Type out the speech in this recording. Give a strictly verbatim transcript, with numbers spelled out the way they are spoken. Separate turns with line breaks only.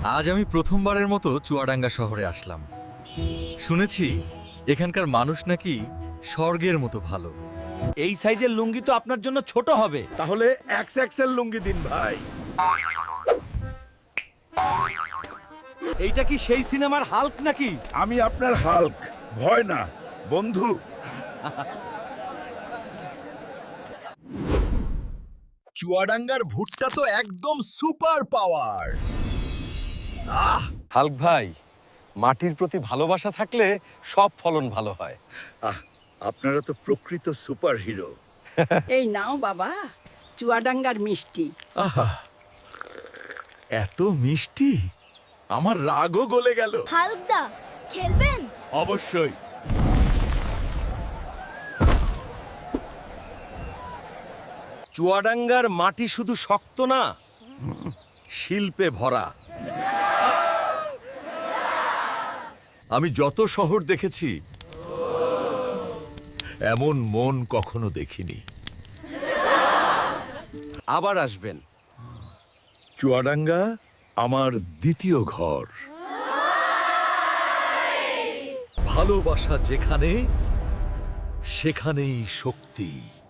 আজ আমি প্রথমবারের মতো চুয়াডাঙ্গা শহরে আসলাম। শুনেছি এখানকার মানুষ নাকি স্বর্গের মতো ভালো।
এই সাইজের লুঙ্গি তো আপনার জন্য ছোট হবে।
তাহলে এক্স এক্সেল লুঙ্গি দিন ভাই।
এইটা কি সেই সিনেমার হাল্ক নাকি?
আমি আপনার হাল্ক, ভয় না বন্ধু। চুয়াডাঙ্গার ভুট্টা তো একদম সুপার পাওয়ার।
হাল্ক ভাই, মাটির প্রতি ভালোবাসা থাকলে সব ফলন ভালো হয়।
আহ, আপনারা তো প্রকৃত সুপার হিরো।
এই নাও বাবা, চুয়াডাঙ্গার মিষ্টি।
আহা, এত মিষ্টি, আমার রাগও গলে গেল।
হালকদা খেলবেন?
অবশ্যই।
চুয়াডাঙ্গার মাটি শুধু শক্ত না, শিল্পে ভরা।
আমি যত শহর দেখেছি এমন মন কখনো দেখিনি।
আবার আসবেন।
চুয়াডাঙ্গা আমার দ্বিতীয় ঘর। ভালোবাসা যেখানে, সেখানেই শক্তি।